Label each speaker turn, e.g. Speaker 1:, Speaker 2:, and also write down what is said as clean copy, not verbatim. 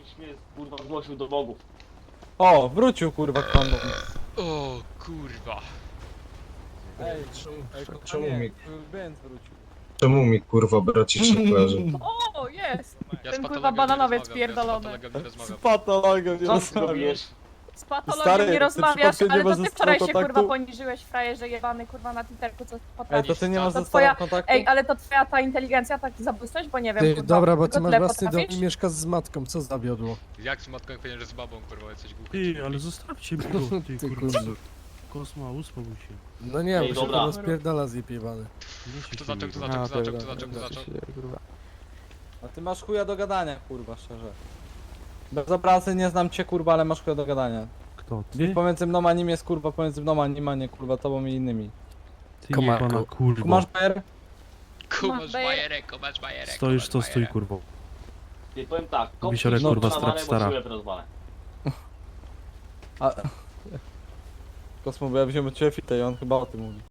Speaker 1: Ktoś mnie kurwa zgłosił do bogów.
Speaker 2: O, wrócił kurwa pan.
Speaker 3: O kurwa.
Speaker 2: Ej,
Speaker 4: Czemu mi,
Speaker 2: Benz wrócił.
Speaker 4: czemu mi kurwa braci się kojarzy?
Speaker 5: O, jest!
Speaker 3: Ja
Speaker 5: Ten
Speaker 3: z
Speaker 5: kurwa
Speaker 3: patologiem
Speaker 5: bananowiec
Speaker 3: nie
Speaker 5: pierdolony.
Speaker 3: rozmawiam, ja z patologiem nie
Speaker 2: Z
Speaker 3: rozmawiam.
Speaker 2: patologiem nie
Speaker 1: Co ty
Speaker 2: rozmawiam.
Speaker 1: robisz?
Speaker 5: Z patologiem
Speaker 2: Stary,
Speaker 5: nie
Speaker 2: ty
Speaker 5: rozmawiasz,
Speaker 2: przypadkiem nie
Speaker 5: ale to
Speaker 2: masz
Speaker 5: ty
Speaker 2: ze
Speaker 5: wczoraj
Speaker 2: sobą
Speaker 5: się
Speaker 2: kontaktu?
Speaker 5: kurwa poniżyłeś, frajerze jebany kurwa na Twitterku, co
Speaker 2: Ej,
Speaker 5: potrafisz.
Speaker 2: to ty nie masz
Speaker 5: To
Speaker 2: ze
Speaker 5: twoja-
Speaker 2: sobą kontaktu?
Speaker 5: Ej, ale to twoja ta inteligencja, taki zabójstwość, bo nie wiem,
Speaker 6: Ty,
Speaker 5: kurwa,
Speaker 6: dobra, bo
Speaker 5: tylko
Speaker 6: ty masz
Speaker 5: tyle
Speaker 6: własny dom i
Speaker 5: potrafisz?
Speaker 6: mieszkasz z matką, co zawiodło?
Speaker 3: Jak z matką, jak powiedziałem, że z babą, kurwa, jesteś głupi.
Speaker 7: Ty, ale zostawcie mnie go, ty
Speaker 6: Ty
Speaker 7: kurwa.
Speaker 6: kurwa.
Speaker 7: Kosma, uspokój się.
Speaker 6: No nie,
Speaker 1: Ej,
Speaker 6: bo się
Speaker 1: dobra.
Speaker 6: to rozpierdala zjebany.
Speaker 3: Kto zaczął, kto zaczął, kto zaczął, kto zaczął, kto zaczął?
Speaker 2: A ty masz chuja do gadania, kurwa, szczerze. Bez obrazy nie znam cię, kurwa, ale masz chuja do gadania.
Speaker 7: Kto,
Speaker 2: Biff
Speaker 7: ty?
Speaker 2: pomiędzy mną a nim jest, kurwa, pomiędzy mną a nim, a nie, kurwa, tobą i innymi.
Speaker 7: Ty
Speaker 6: Komarku.
Speaker 7: jebana kurwa.
Speaker 2: Kumasz PR?
Speaker 3: Kumasz bajerek, kumasz bajerek.
Speaker 7: Stoisz
Speaker 3: kumasz
Speaker 7: to stój
Speaker 3: bajerek.
Speaker 7: kurwo.
Speaker 1: Ty powiem tak,
Speaker 7: Wisiorek,
Speaker 1: kopnij
Speaker 7: kurwa,
Speaker 1: na walę,
Speaker 7: strap stara.
Speaker 1: bo ci łeb rozwalę.
Speaker 2: A... Kosmo, bo ja wziąłem od ciebie fitę i on chyba o tym mówi.